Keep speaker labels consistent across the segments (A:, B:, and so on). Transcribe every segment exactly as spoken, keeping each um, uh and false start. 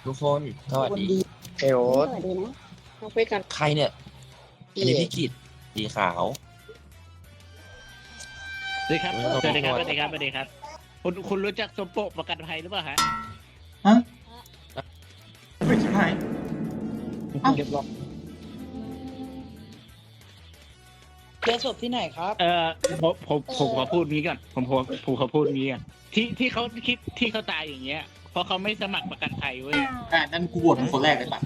A: ทุกคนสวัสดี
B: เอโอ
C: สวัสดีนะ
B: มาคุยกัน
A: ใครเนี่ยอันนี้พี่กิตสีขาว
D: สวัสดีครับ
A: เออ
D: สวัสดีครับสวัสดีครับสวัสดีครับคุณคุณรู้จักสมโปะประกันภัยหรือเปล่าฮะ
B: ฮะไม่ชิบหายอ้าว
E: เรียบร้อยเจอศพที่ไหนครับ
D: เออผมผมผมขอพูดงี้ก่อนผมผมผมขอพูดงี้ก่อนที่ที่เขาคิดที่เขาตายอย่างเงี้ยเพราะเขาไม่สมัครประกันภัยเว้ย
B: อ่านั่นกูบวชเป็นคนแรกเลยปะ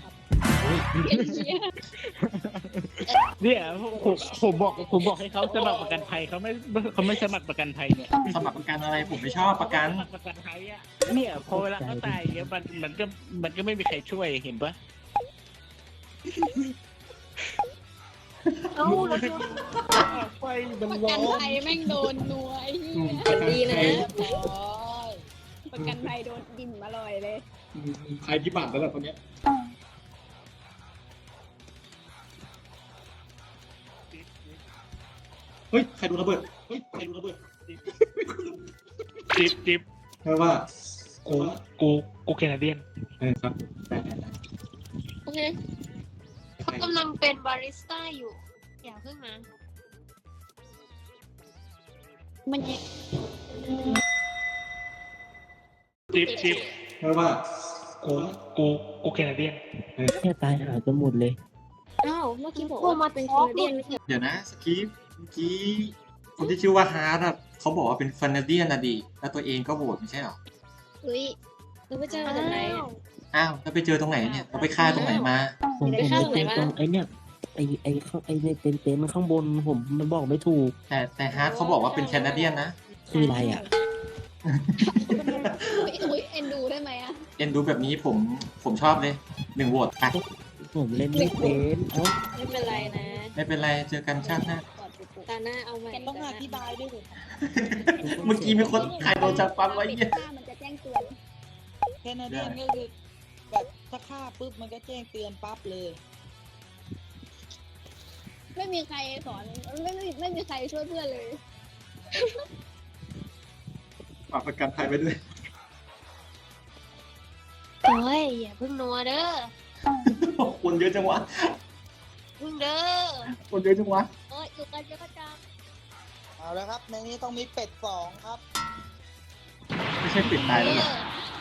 D: เนี่ยผมผมบอกผมบอกให้เขาสมัครประกันภัยเขาไม่เขาไม่สมัครประกันภัยเนี่ย
B: สมัครประกันอะไรผมไม่ชอบประกัน
D: สมัครประกันภัยอ่ะเนี่ยพอเวลาเขาตายอย่างเงี้ยมันมันก็มันก็ไม่มีใครช่วยเห็นปะ
C: เอ้าแล้ว
D: ไฟมัน
C: ประ
D: ร้
C: กั
D: อน น
C: ภัยแม่งโดนนัวไอ้เหี้ย
B: ประกัน
C: ดีนะ
B: ภัย
C: ประกันภัยโดนกินมาลอยเลย
B: ใครที่บาดแล้วแบบคนเนี้ยเฮ้ยใครดูระเบิดเฮ้ยใครดูระเบิด
D: จิบจิบ
B: แปลว่า
D: กูกูกูแคนาเดียน
B: เออครับได้ได้ได้
F: โอเค
B: ใคร
F: กำลังเป็นบาริสต้าอยู่ อย่าเพิ่งนะ
C: มันยิง
D: จิบจิบ
B: แปลว่า
D: กูกูกูแคนาเดียน
E: แค่ตายหายกันหมดเลย
C: อ้าวเมื่อกี้บอก
F: พวก
C: ว่า
F: มาเป็นแคนาเดียนไม่ใช่เหรอ
B: เดี๋ยวนะสกีฟเมื่อกี้คนที่ชื่อว่าฮาร์ดอะเขาบอกว่าเป็นแคนาเดียนนะดีแล้วตัวเองก็โหวตไม่ใช่หรอ
C: เฮ้ยเราไปเจอมาจากไหนอะ
B: อ้าวแล้วไปเจอตรงไหนเนี่ยเราไปฆ่าตรงไหนมา
E: ผม
C: ไป
E: ผม
C: ฆ่า
E: ไป
C: ตรงไหนมา
E: เจอตรงไอ้เนี่ยไอ้ไอ้ข้างไอ้ในเต็นท์เต็นท์มันข้างบนผมมันบอกไม่ถูก
B: แต่แต่ฮาร์ดเขาบอกว่าเป็นแคนาเดียนนะ
E: คืออะไรอ่ะ
C: อุ๊ยอุ้ยเอ็นดูได้ไหมอะ
B: เอ็นดูแบบนี้ผมผมชอบเลยหนึ่งโหวตไป
E: ผมเล่นไม่เป็นเอ้า
C: ไม่เป็นไรนะ
B: ไม่เป็นไรเจอกันชาติหน้า
C: กอดปุ๊บตาหน้าเอาใหม่
E: แกต้องอธิบายด้วย
B: เมื่อกี้มีคนใครโดนจับปั๊มไว้เนี่ย
C: มันจะแจ้งเตือน
E: แคนาเดียนก็คือแบบถ้าฆ่าปุ๊บมันก็แจ้งเตือนปั๊บเลย
C: ไม่มีใครสอนไม่ไม่ไม่มีใครช่วยเพื่อนเลย
B: ฝากประกันภัยไปด้วย
F: โอ้ยอย่าเพิ่งนัวเด้อ
B: คนเยอะจังวะ
F: เพิ่งเด้อ
B: คนเยอะจังวะ
F: โอ้ยอยู่กันเยอะจัง
E: เอาแล้วครับในนี้ต้องมีเป็ดสองครับ
B: ไม่ใช่ปิดตายแล้วเหรอ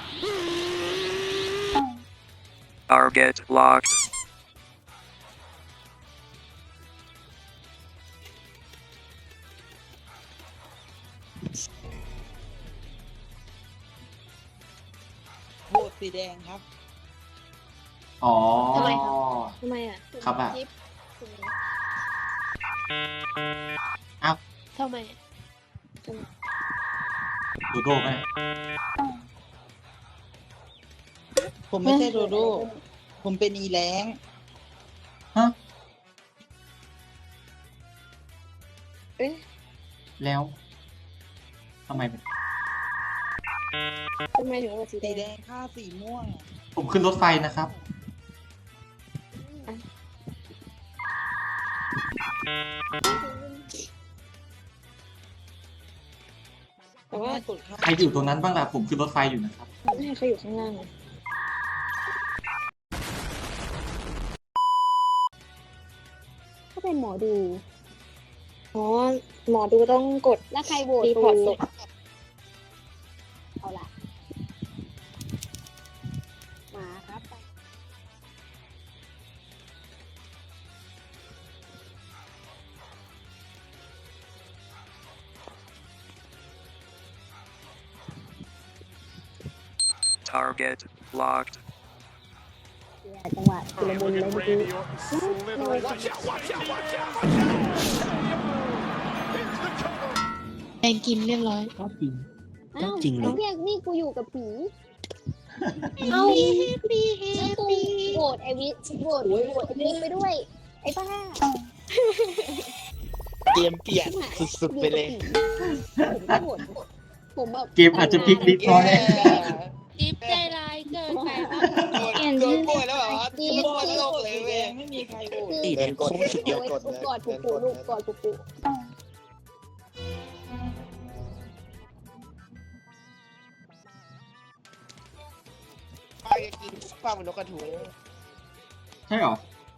G: Target locked.
E: โหวตสีแดงครับ
B: อ๋อ
C: ทำไมครับ ทำไมอะ
B: ครับอะ
C: จิ๊บ
F: ทำไม
B: ดูโดไหม
E: ผมไม่ใช่โดโดผมเป็นอีแรง
B: ฮะ
C: เอ๊ะ
B: แล้วทำไมเป็น
C: ทำไมถึงว่าสี
E: สี
C: แด
E: แด
C: ง
E: งฆ่าสีม่วง
B: ผมขึ้นรถไฟนะครับ
C: แต่ว่า
E: กดฆ่า
B: ใครอยู่ตรงนั้นบ้างล่ะผมขึ้นรถไฟอยู่นะครับ
C: ไม่ให้เขาอยู่ข้างล่างอะถ้าเป็นหมอดู อ๋อ หมอดูต้องกด แล้วใครโหวตรีพอร์ตศพเอาล่ะ มาครับไป
G: Target locked.
C: จังหวะชุลมุนเลยเมื่อกี้
F: แดงกินเรียบร้อย
E: ก็จริง
C: อ้าว
E: จริงเหรอ
C: ไอ้เรียกนี่กูอยู่กับผี
F: เอ้า
C: แล้วกูโหวตไอวิโหวตโหวตไอวิไปด้วย ไอ้บ้า
E: เกมเปลี่ยนสุดๆไปเลย
C: ผมก็โหวตผมแบบ
B: เกมอาจจะพลิกลิฟต์น้อย
F: จิ๊บใจร้ายเกินไปปะ
C: เปลี่ยน
E: โด
C: ชื่
E: น
C: อ
E: ป่วยแล้วเหรอ
C: ดี
E: โดนโลกเลยเว้ยไม่มีใครโหวต
C: สีแดงกดเดียวกดกอดปูปูลูกกอดปูปู
E: ไป
H: จะกินฟังเป็นนกกระทุง
B: ใช่เหรอ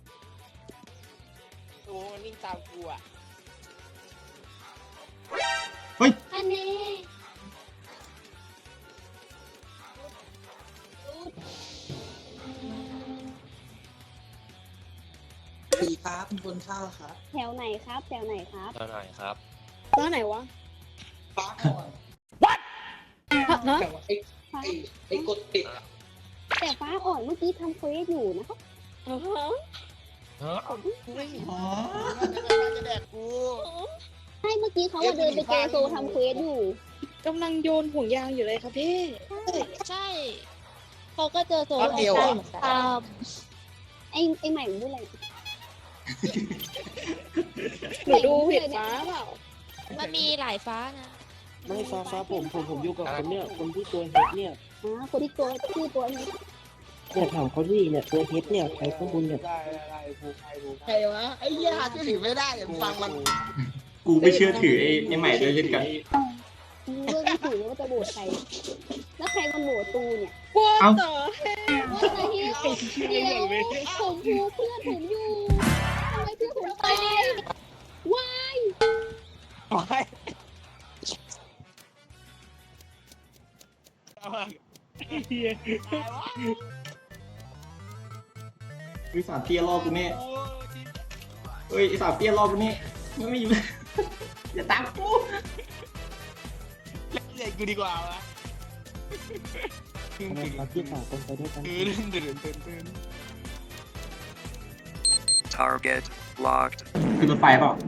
H: โอ้มันนิ่งตามกูอ่ะ
B: เฮ้ย
F: อันนี้
E: สีฟ้าเป็นคนเข้าครับ
C: แถวไหนครับแถวไหนครับ
A: เท่าไหร่ครับ
C: ฟ้าไหนวะ
H: ฟ้าก่อน
C: ฮะ
H: แต่ว่าไอ้ไอ้ไอ้กดติดอะ
C: แต่ฟ้าอ่อนเมื่อกี้ทำเควสอยู่นะครับอ๋อ
A: ฮะ
B: อ๋อ
H: มันจะแดกกู
C: ใช่เมื่อกี้เขาอะเดินไปเจอโซทำเควสอยู่
I: กำลังโยนห่วงยางอยู่เลยค่ะพี่
F: ใช่
C: เขาก็เจอโซ
H: รอบเดียว
C: ใช่
H: อ่ะ
C: เหมือนกัน
F: อ่า
C: ไอ้ไอ้ใหม่มันพูดอะไร
I: หนูดูผิดฟ้าเปล่า
F: มันมีหลายฟ้านะ
J: ไม่ฟ้าฟ้าผมผมผมอยู่กับคนเนี่ยคนที่ตัวเฮดเนี่ย
C: อ๋อคนที่ตัวชื่อตัวนี้
J: เนี่ยถามเขาดิเนี่ยตัวเฮดเนี่ยใครข้างบนเนี่ย
H: ได้ได้ภูใครภูใครวะไอ้เหี้ยหาชื่อถือไม่ได้เดี๋ยวฟังมัน
B: กูไม่เชื่อถือไอ้ไอ้ใหม่ด้วยเช่นกัน
C: กูเลือกไม่ถูกว่าจะโหวตใคร แล้วใครมันโหวตตูเนี่ย
I: ว่า
B: เอ้า
I: ต่อ
C: ว่าแต่เฮียเดียวผมพูเพื่อนผมอยู่ทำไมเพื่อนผมตายว้าย
D: เฮีย
B: ไอ้สามเตี้ยรอบกูเนี่ยเฮ้ยไอ้สามเตี้ยรอบกูเนี่ยมันไม่อยู่ อย่าตามกู
H: เล่นใหญ่กูดีกว่าวะ
J: ทำไมเราที่สองคนไปด้วยกัน
H: ตื่นตื่นตื่นตื่น
G: Target locked.
B: คือรถไฟเปล่า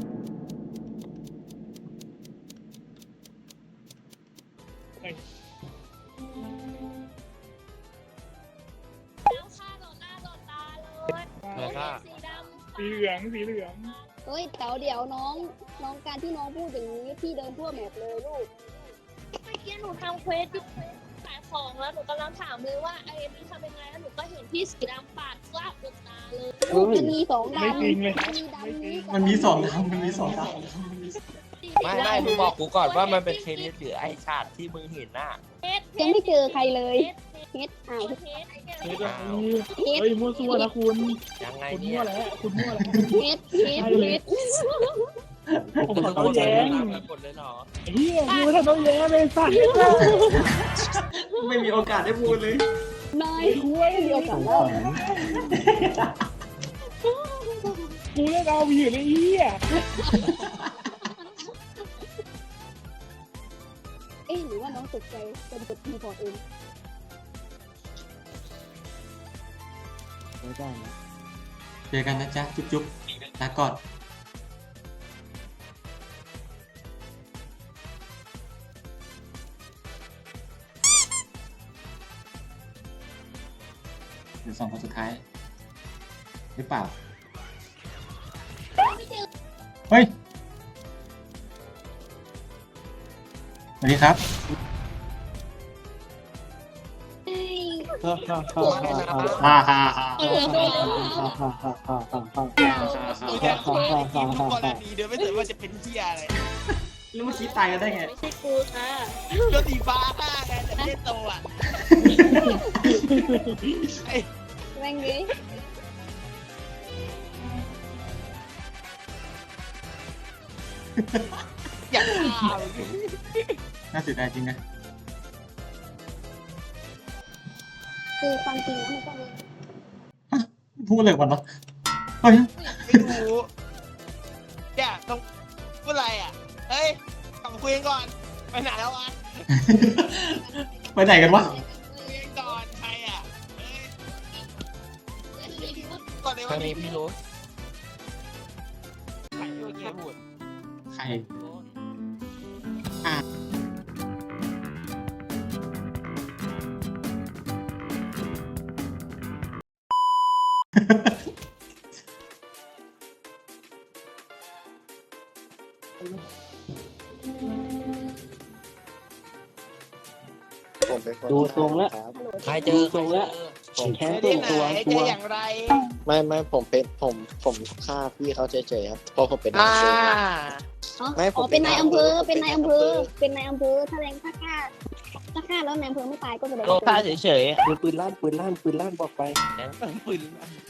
F: แล้วฆ่าต่อหน้าต่อตาเลย
A: ใครฆ่า
F: สีดำ
D: สีเหลืองสีเหลือง
C: เฮ้ยเต๋าเดี๋ยวน้องน้องการที่น้องพูดอย่างนี้พี่เดินทั่วแมปเลยลูก
F: เมื่อกี้หนูทำเควสอยู่ขายของแล้วหนูกำลังถามเลยว่าไอ้นี่ทำยังไงแล้วหนูก็เห็นพี่สีดำปาดกล้าบนตาเลย
C: ลูกมันมีสองดำ
D: ไม่จริงเลย
C: มันมีดำนี้กับ
B: มันมีสองทางมันมีสองทาง
A: ไม่ไม่มึงบอกกูก่อนว่ามันเป็นเคนิสหรือไอชาติที่มึงเห็นน่ะ
C: ยังไม่เจอใครเลยเฮ็ดอ้าว
F: เฮ็ด
D: เฮ้ย
A: อ้าว
C: เฮ็ด
D: เฮ้ยมั่วซั่วนะคุณ
A: ยังไง
D: คุณ
A: เนี่
D: มั่
A: ยว
D: แล้วคุณมั่วแล้ว
C: เฮ็ดเฮ็ดเฮ็ด
D: ผมขอโทษแย้ง
A: หมดเลยเหรอ
D: เฮียกูไม่ทำโทษแย้งเลยสัตว์
B: ไม่มีโอกาสได้พูดเลย
C: นายเดียวกันแล้ว
D: กูเล่นเอาอยู่ในเฮีย
C: เอ๊ะหรือว่าน้องตกใจจนกดทีพอร์ตเอง
J: ไม่ได้นะ
B: เจอกันนะจ๊ะ จุ๊บจุ๊บลาก่อนเดี๋ยวสองคนสุดท้ายหรือเปล่า เฮ้ย สวัสดีครับ
J: ฮ่าฮ่าฮ่าฮ่า
B: ฮ่าฮ่าฮ่า
J: ฮ่าฮ่าฮ่าฮ่าฮ่าฮ่าฮ่าฮ่าฮ่า
H: ตัวแทนคนที่กินทุกกรณีเดี๋ยวไม่สนว่าจะเป็นเหี้ยอะไร
B: แล้วเมื่อกี้ตายกันได้ไง
I: ไม่ใช่กูค่ะ
H: ตัวสีฟ้าฆ่าไงแต่ไม่ได้โตอ่ะไอ้
C: แม่งนี้
H: อยากฆ่า
B: น่าเสียดายจริงนะ
C: คือความจริงแล้วมันก็มี
B: พูดเลยก่อนเนาะเฮ้ย
H: ไม่รู้เนี่ยต้องพูดอะไรอ่ะเฮ้ยกลับมาคุยกันก่อนไปไหนแล้ววะ
B: ไปไหนกันวะ
H: คุยกันก่อนใครอ่ะเฮ้ยก่อนเลย
A: ใคร
H: ว่า
A: มีพี่รู้
H: ใครเมื่อกี้พูด
B: ใคร
J: ดูทรงแล้ว
A: ใครเจอใครเจอ
J: ผมแค่
H: เจ๊ที่
J: ตัว
H: ไหน
J: ตัว
H: เจ๊
J: ตัว
H: อย่างไร
K: ไม่ไม่ผมเป็นผมผมฆ่าพี่เขาเฉยๆครับเพราะผมเป็น
H: อ่า
C: อ๋อ
K: ไม่ผม
C: อ๋อเป็นนายอำเภอ เป็นนายอำเภอ เป็นนายอำเภอแถลงค่าค่าถ้าฆ่าแล้วแนมเพลิงไม่ตายก็จะได้
A: ก็ฆ่าเฉย
J: ปืนปืนลั่นปืนลั่นปืนลั่นบอกไป
A: ๆปืน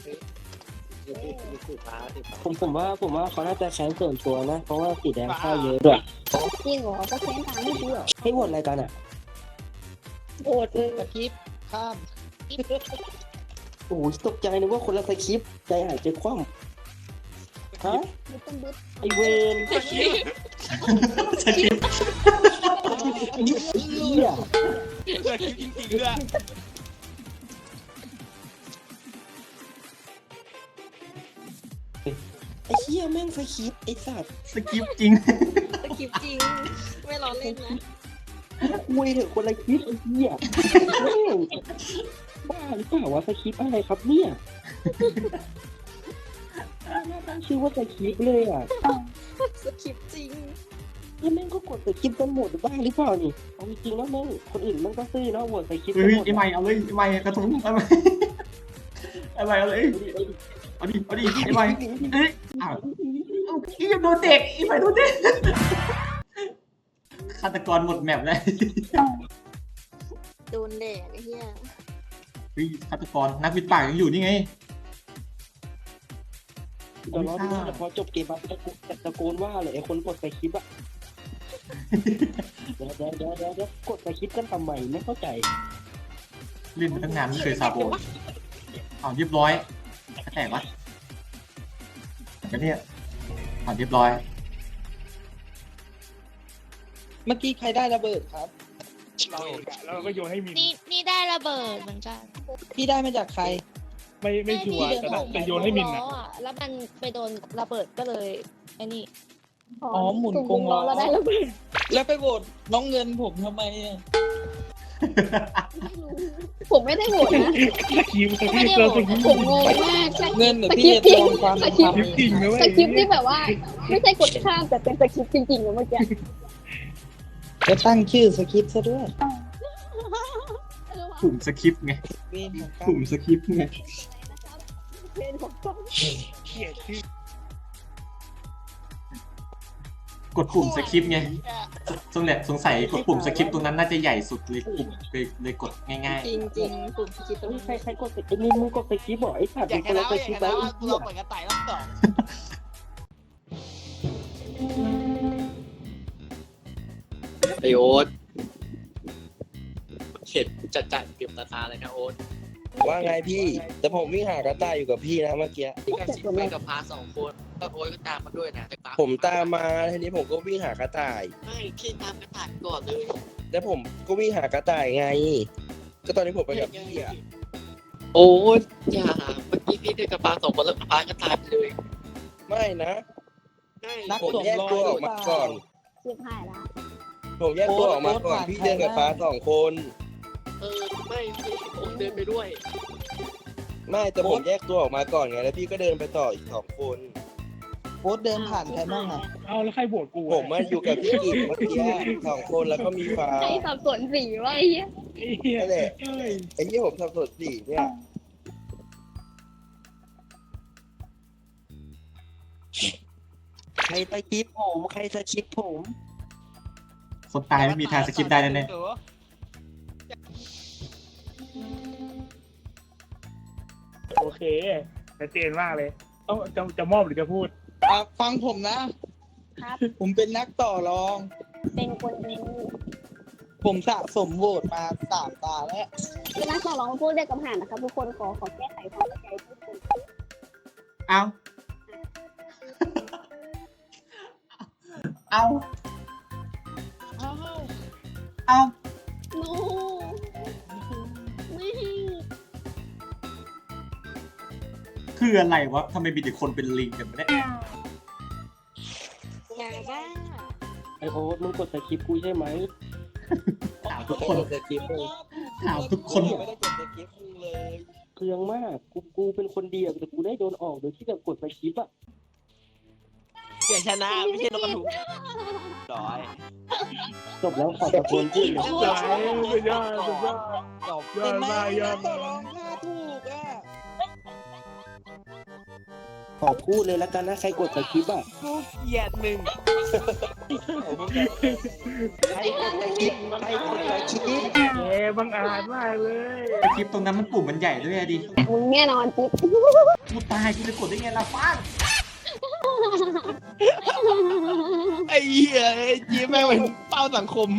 J: ผมผมว่าผมว่าเขาน่าจะแค้นส่วนตัวนะ เพราะว่าสีแดงฆ่าเยอะด้วย
C: จริงเหรอก็แค้นตามไม่ดีเหรอ
J: ให้โหวตอะไรกันอ่ะ
I: โอดเลย
E: สคริปต์ข้าม
J: โอ้ยตกใจนึกว่าคนละสคริปต์ใจหายใจคว่ำฮะ
C: บึ้ต้นบึ้
J: ไอเวน
B: สคริปต์
J: ไอ้เหี้ย
H: เกิดจริงจริงๆด้วย
J: ไอ้เหี้ยแม่งสคริปต์ไอ้สัตว์
B: สคริปต์จริง
I: สคริปต์จริง ไม่ล้อเล่นนะ
J: คุยเถอะคนละคลิปไอ้เหี้ยแม่งบ้าหรือเปล่าวะสคริปต์อะไรครับเนี่ยน่าตั้งชื่อว่าสคริปต์เลยอ่ะ
I: สคริปต์จริง
J: นี่แม่งก็กดสคริปต์กันหมดบ้างหรือเปล่านี่เอาจริงๆแล้วแม่งคนอื่นแม่งก็ซื่อเนาะโหวตสคริปต์
B: เฮ้
J: กัน
B: ย
J: หมด
B: ไอ้ใหม่เอาเลยไอ้ใหม่กระทุ้งเอาไปเอาไปเอาเลยเอาดิเอาดิไอ้ใหม่เอ้ยอ้าวอียังโดนเด็กอีใหม่โดนเด็กฆาตกรหมดแมปเลย
I: โดนแดดไอ้เหี้ย
B: เฮ้ยฆาตกรนักวิทย์ปากยังอยู่นี่ไง
J: เดี๋ยวรอดูนะแต่พอจบเกมมาตะโกนตะโกนว่าเลยไอ้คนกดสคริปต์อะเดี๋ยวเดี๋ยวเดี๋ยวเดี๋ยวเดี๋ยวกดสคริปต์กันทำไมไม่เข้าใจ
B: เล่นมาตั้งนานไม่เคยซาโบนอ้าวเรียบร้อยแตกวะกันเนี่ยอ้าวเรียบร้อย
E: เมื่อกี้ใครได้ระเบิดครับ
D: เราเองอะแล้วเราก็โยนให้มิน
F: นี่นี่ได้ระเบิดเหมือนกัน
E: พี่ได้มาจากใคร
D: ไม่ไม่ชัวร์แต่แต่โยนให้มิน
F: ล้
D: อ่ะ
F: ออะแล้วมันไปโดนระเบิดก็เลยไอ้นี่
E: อ๋อหมุนกงล้อ
C: แล้วได้แล้วไม่
E: แล้วไปโหวตน้องเงินผมทำไมอะ
C: รู้ผมไม่ได้โหวตนะ
D: สคริปต์
F: ไม่ได้
D: เรา
F: โหว
D: ส
F: ต
D: คริปต์
C: ผมงงมากส
E: เงินเดี๋ยว
C: ค
E: พี่
C: ริป
E: จะ
C: ต์จริง
E: ลองความ
C: สคริป
D: สคริป
C: ต์
D: ต์จริงนะเว้ย
C: สคริปต์ที่แบบว่า ไม่ใช่กดข้ามแต่เป็นสคริปต์จริงๆนะเมื่อกี้
E: จะตั้งชื่อสคริปต์ซะด้วย
B: กลุ่มสคริปต์ไง
E: เวนของ
B: กลุ่มสคริปต์ไง
C: เป็นของต้อง
D: เขียนชื่อก
B: ดปุ่มสคริปต์ไงสงสัยสงสัยกดปุ่มสคริปต์ตรงนั้นน่าจะใหญ่สุดเลยปุ่มเลยเลยกดง่าย
I: จริงจริงๆปุ่มสคริปต์ตรง
J: เฮ้ย
I: นี้
J: ใครใครกดสคริปต์นี่มึงกดสคริปต์บอกไอ้สัตว์
H: อยา
J: มึ
H: ก
J: ง
H: ช
J: คน
H: นะ
J: ละส
H: อยาก
J: คริปต์
H: ช
J: ไว้
H: นะ
J: ไอ้
H: ว่ากู
J: เหี้
H: ลอง
J: ย
H: เปิดกระต่ายรอบสอง
K: ไอโอ๊ตเห็นจัดจัดเก็บตาตาเลยนะโอ๊ต
L: ว่าไงพี่ แต่ผมวิ่งหากระต่ายอยู่กับพี่นะเมื่อกี้
K: พี่กับสิไปกับพาสองคนก็โอ๊ตก็ตามมาด้วยนะแต่
L: ผมตามมาทีนี้ผมก็วิ่งหากระต่าย
K: ไม่พี่ตามกระต่ายก่อนเลย
L: แล้วผมก็วิ่งหากระต่ายไง ก็ตอนนี้ผมไปกับพี่อ่ะ
K: โอ๊ตอย่าเมื่อกี้พี่เดินกับพาสองคนแล้วพาก็ตายไปเลย
L: ไม่นะ
E: นัก
L: ผม
E: สวม
L: แยก
E: รอย
L: ตัว
E: ห
L: อ
E: รือ
L: อก
E: เป
L: มา
E: ล่า
L: ก่อน
C: เสียบหายละ
L: ผมแยกตัวออกมาก่อน
E: โอ๊ต
L: พี่เดินกับ
E: โอ๊ต
L: ฟ้าสองคน
K: เออไม่พี่ผมเดินไปด้วย
L: ไม่แต่ผมแยกตัวออกมาก่อนไงแล้วพี่ก็เดินไปต่ออีกสองคน
E: โอ๊ตเดินผ่านใครบ้างอ่ะ
D: เอาแล้วใครโหวตกู
L: ผมมาอยู่กับพี่กิจเมื่อกี้สองคนแล้วก็มีฟ้า
C: ใครสับสนสีวะไอ้เหี้ย
D: ไอ้เหี้ย
L: นั่นแหละ
D: เอ้ย
L: ไอ้ที่ผมทำสดสี่เนี่ยใครสคริปต์ผมใครสคริปต์ผม
B: ๆคนตายไม่มีทางสคริปต์ได้แน่
D: โอเคชัดเจนมากเลยต้องจะจะมอบหรือจะพูด
E: อ่ะฟังผมนะ
C: ครับ
E: ผมเป็นนักต่อรอง
C: เป็นคนดี
E: ผมสะสมโหวตมาสามตาแล้ว
C: คือนักต่อรองพูดเรียกกำหานนะครับทุกคนขอขอแก้ไขความเข้าใจทุกคน
B: ๆเอาเอา
E: อ้าว
B: เอา
C: โน้ไม่
B: คืออะไรวะทำไมมีแต่คนเป็นลิงกันวะเนี่ย
I: อย่าบ้า
J: ไอโอ๊ตมึงกดสคริปต์กูใช่ไหม
B: ถามทุกคน
L: กดสคริปต์เลย
B: ถามทุกคน
L: ไม่ได้กดสคริปต์มึงเลย
J: เครื่องมากกูกูเป็นคนเดียวแต่กูได้โดนออกโดยที่แบบกดสคริปต์อะ
H: อยากชนะไม่ใช่นกกระทุงร้อย
J: จบแล้วขอตะโกนพูดเลย
D: สุดยอดสุดยอดสุดยอด
H: จบ
D: ยอดมากยอด
E: ต่อ
D: มาร
E: อก งค่าถูกอ่ะ
J: ผขอพูดเลยแล้วกันนะใครกดสคริปต์อ่ะ
H: กูเกลียดมึง
J: ใครกดสคริปต์ใครกดสคริปต์
D: เอ๊บังอาจมากเลย
B: คลิปตรงนั้นมันปุ่มมันใหญ่ด้วยอะดิ
C: มึงแน่นอนจิ๊บ
B: กูตายกูจะกดได้ไงล่ะฟ้าน
H: ไอ้เหี้ยไอ้จีแม่งเป็นเป้าสังคม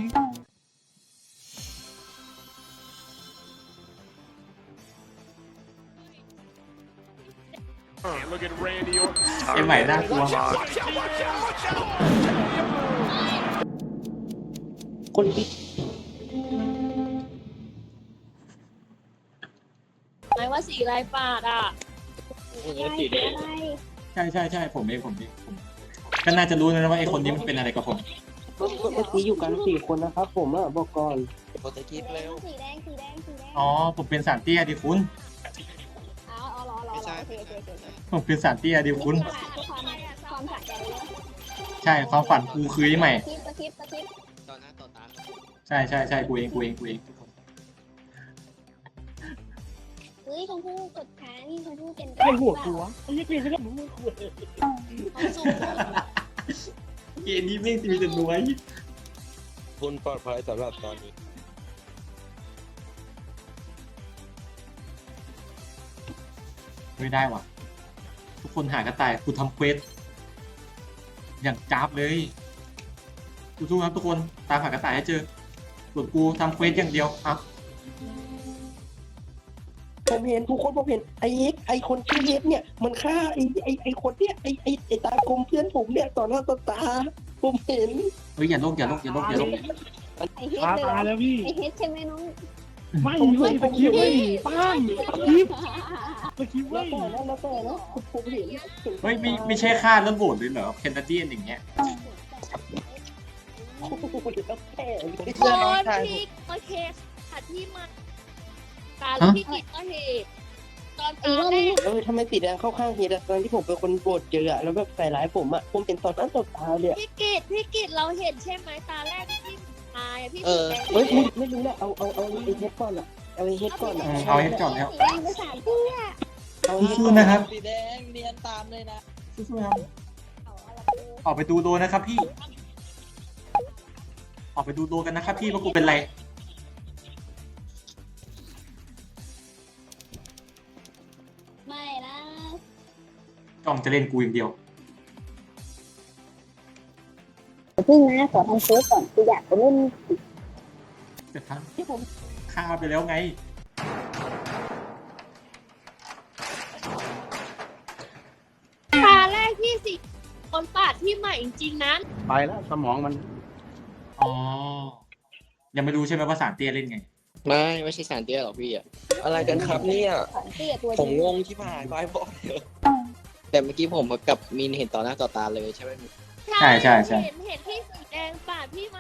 B: ไอ้ใหม่น่ากลัว
J: คนปิด
F: หมายว่าสีลายปาดอ่ะ
B: ใช่ใช่ใช่ผมเองผมเองผมก็น่าจะรู้นะว่าไอ้คนนี้มันเป็นอะไรกับผม
J: ก็ก็เมื่อกี้อยู่กันสี่คนนะครับผมอ่ะบอกก่อน
L: กดสกิปเร็ว
C: สีแดงสีแดงสีแดง
B: อ๋อผมเป็นสารเตี้ยดิคุณ
C: อ๋ออ๋อรอรอรอโอเคโอเคโอเค
B: ผมเป็นสารเตี้ยดิคุณ
C: ความความสะใจเลย
B: ใช่ความฝันกูคือไอ้ใหม่
C: คลิปสคริปต์สคริปต์
L: ต่อหน้าต่อตา
B: ใช่ใช่ใช่กูเองกูเองกูเอง
C: เฮ้ยชมพู่กดค้างนี่ชมพู่เป็น
D: ไอ้หัวหัวไอ้ยี่ปีไม่ได้หมูหัว
B: เกมนี้ไม่งมีแต่น้อย
L: คุณปลอดภัยสำหรับตอนนี้
B: ไม่ได้ว่ะทุกคนหากระต่ายกูทำเควสอย่างจ้าบเลยสู้ๆครับทุกคนตามหากระต่ายให้เจอส่วนกูทำเควสอย่างเดียวครับ
J: ผมเห็นทุกคนผมเห็นไอ้เอ็กไอ้คนชื่อเอ็กเนี่ยมันฆ่าไอ้ไอ้ไอ้คนเนี่ยไอ้ไอ้ไอ้ตากลมเพื่อนผมเนี่ยต่อหน้าต่อตาผมเห็น
B: เฮ้ยอย่าลงอย่าลงอย่าลงอย่าลง
C: ไอเฮด
D: ตา
C: เลย
D: ตาแล้วพี่
C: ไอเฮดใช่ไหมน้อง
D: ไม่ไม่ตะกี้ไม่ป้างตะกี้ตะกี้
J: แล้
D: ไม่
J: วแต่นะแล้วแต่นะผมเห็น
B: เฮ้ยไม่ไม่ใช่ค่าเรื่องโหวตเลยเหรอแคนาเดียนอย่างเงี้ย
J: โอ้โหแล้วแต่
F: โคนพี่โอเคค่ะที่มาตาแล้วพี่กิจก็เหตุตอนตาแรก
J: เออทำไมสีแดงเข้าข้างเฮียตอนที่ผมเป็นคนโกรธเจออะแล้วแบบใส่ร้ายผมอะผมเป็นต่อหน้าต่อตาเลย
F: พี่กิจพี่กิจเราเห็นใช่ไหมตาแรกที่ตายพี่
L: เออ
J: เฮ้ยไม่ไม่รู้แหละเอาเอาเอาไอ้เฮ็ดก่อนอะเอาไอ้เฮ็ดก่อนอะ
B: เอาให้จอดแล้ว
C: สีแดงไปสามเตี้ย
J: เอา
B: สู้ๆนะครับ
E: สีแดงเนียนตามเลยนะ
B: สู้ๆครับออกไปดูโดนะครับพี่ ออกไปดูโดกันนะครับพี่ว่ากูเป็นไร
C: ไม่นะ
B: จ้องจะเล่นกูอย่างเดียว
C: พึ่งนะขอทำเซิร์ฟก่อนกูอยากไปเล่น
B: แต่ทั้งที่ผมฆ่าไปแล้วไง
F: ตาแรกที่สิคนปาดที่ใหม่จริงๆนั้น
D: ไปแล้วสมองมัน
B: อ๋อ ยังไม่รู้ใช่ไหมว่าสารเตี้ยเล่นไง
K: ไม่ไม่ใช่สารเตี้ยหรอกพี่อ่ะ
L: อะไรกันครับเนี่ย
C: สารเตี้ยตัว
L: ผมงงที่ผ่านไปบอกเถอะ
K: แต่เมื่อกี้ผมกับมินเห็นต่อหน้าต่อตาเลยใช่ไหม
B: ใช่ใช่ใช่
F: เห็นเห็นที่สีแดงปาดพี่ใหม่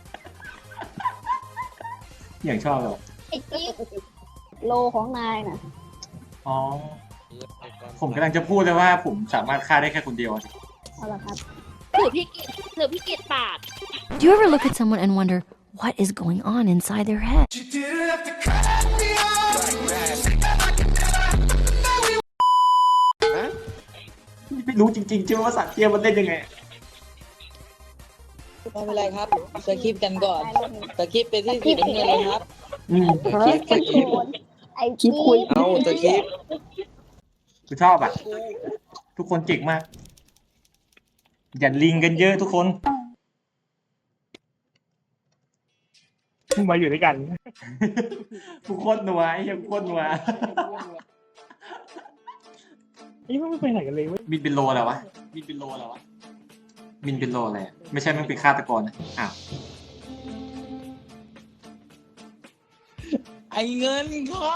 B: อย่างชอบเลย
C: ไอ้จิ๊บโลของนายน่ะ
B: อ๋อ ผมกำลังจะพูดเลยว่าผมสามารถฆ่าได้แค่คนเดียว
C: เอาละครับ
F: ถือพี่กิจถือพี่กิจปาด
M: Do you ever look at someone and wonder what is going on inside their head?
B: ไม่รู้จริงๆใช่ไหมว่าสารเตี้ยมันเล่นยังไง
E: ไม่เป็นไรครับสคริปต์กันก่อนสคริปต์ไปที่สีน้ำเงินเลยครับ
B: อืม
C: เฮ้ยตะโกนไอ้จิ๊บ
L: เอาสกิป
B: กูชอบอ่ะ ทุกคนเก่งมาก อย่าลิงกันเยอะทุกคน
D: มาอยู่ด้วยกัน
B: ทุกคนหนัวไอ้เหี้ยังโคตรหนัว
D: นี่ไม่ไปไหนกันเลยเว้ย
B: มินเป็นโลแล้ววะ มินเป็นโลแล้ววะ มินเป็นโลอะไรอะไม่ใช่มันเป็นฆาตกรนะอ้าว
E: ไอเงินค่ะ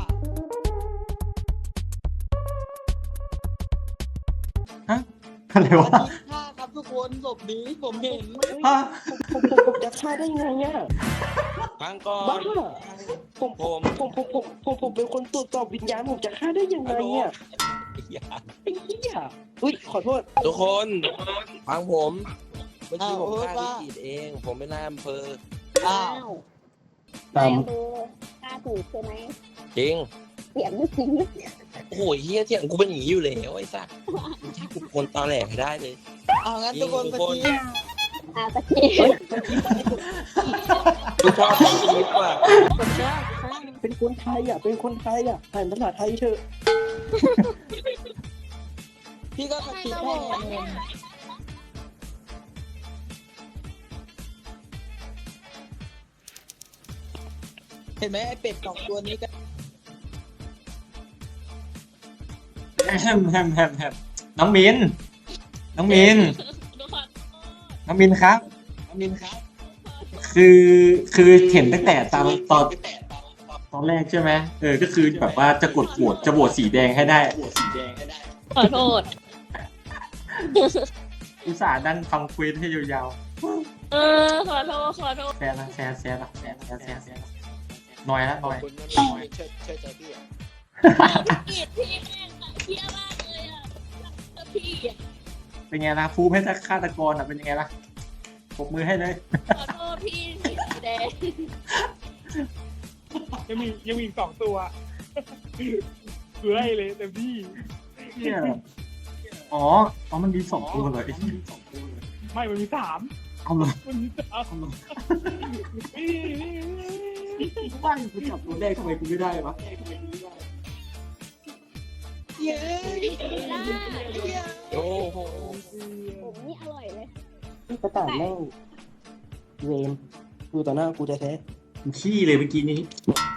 B: ฮะอะไรวะ
E: ฆ่าครับทุกคนศพนี้ผมเห็น
B: ฮะ
J: ผมผมผมจะฆ่าได้ไงอะ
L: ฟังก่อ
J: บ้าน ผมผมผมผมผมผมผมเป็นคนตรวจสอบวิญญาณผมจะฆ่าได้ยังไงอะไอ้เหี้ยอุ้ยขอโทษ
L: ทุกคนฟังผมเมื่อกี้ผม
E: อ้าว
L: ฆ่า
E: ว่า
L: พี่กิจเอง ผมเป็นนายอำเภอ
E: อ้า
C: อ้าว ว
J: ตาม
C: นายอำเภอกล้าถูกใช่ไหม
L: จริง
C: เสียงไม่จริงเลย
A: โอ้ยเฮียเถียงกูเป็นอย่างนี้อยู่แล้วไอ้สัตว์มึงใช่กูคนตอแหลให้ได้เลย
E: เอางั้นทุกคน
A: ทุก
E: ส
A: คน
E: กี
C: อ่าตะกี้
A: กูชอบสกีปว่ะ
J: เป็นคนไทยอ่ะ เป็นคนไทยอ่ะอ่านภาษาไทยเถอะ
E: พี่ก็สกีให้ไงเห็นไหมไอเป็ดสองตัวนี้ก็
B: แฮมแฮมแฮมแฮมน้องมิน น้องมิน น้องมินครับ น้องมินครับ คือคือเห็นตั้งแต่ตอนตอนตอนแรกใช่ไหมเออ ก็คือแบบว่าจะกดโหวตจะโหวตสีแดงให้ได้
F: ขอโทษ
B: อุตส่าห์ดันฟังคุยให้ยาว
F: เออขอโทษขอโทษ
B: ๆแซนละแซนแซนละแซนแซนแซนแซนหน่อยละหน่อย
K: คุณนั่นเองเชื่อเชื่อใจพี่อ่ะ
F: พี่พี่แม่งเที่ยมากเลยอ่ะพี่อ่ะ
B: เป็นไงล่ะฟูมให้ฆาตกรอ่ะเป็นยังไงล่ะปรบมือให้เลย
F: ขอโทษพี่สีแดง
D: ยังมียังมีอีกสองตัวคือไล่เลยเต็มที่
B: เนี่ยอ๋ออ๋อมันมีสองตัวเลยไอ้ที่
D: ไม่มันมีสาม
B: เอาเลย
D: มันมีสาม
B: เอาเลยว่ากูจับตัวแรกทำไมกูไม่ได้วะ
E: เย้
A: โอ้โห
C: ผมนี่อร่อยเลย
J: กระต่ายแม่งเวรดูต่อหน้ากูแท้
B: กูขี้เลยเมื่อกี้นี้
J: ๆ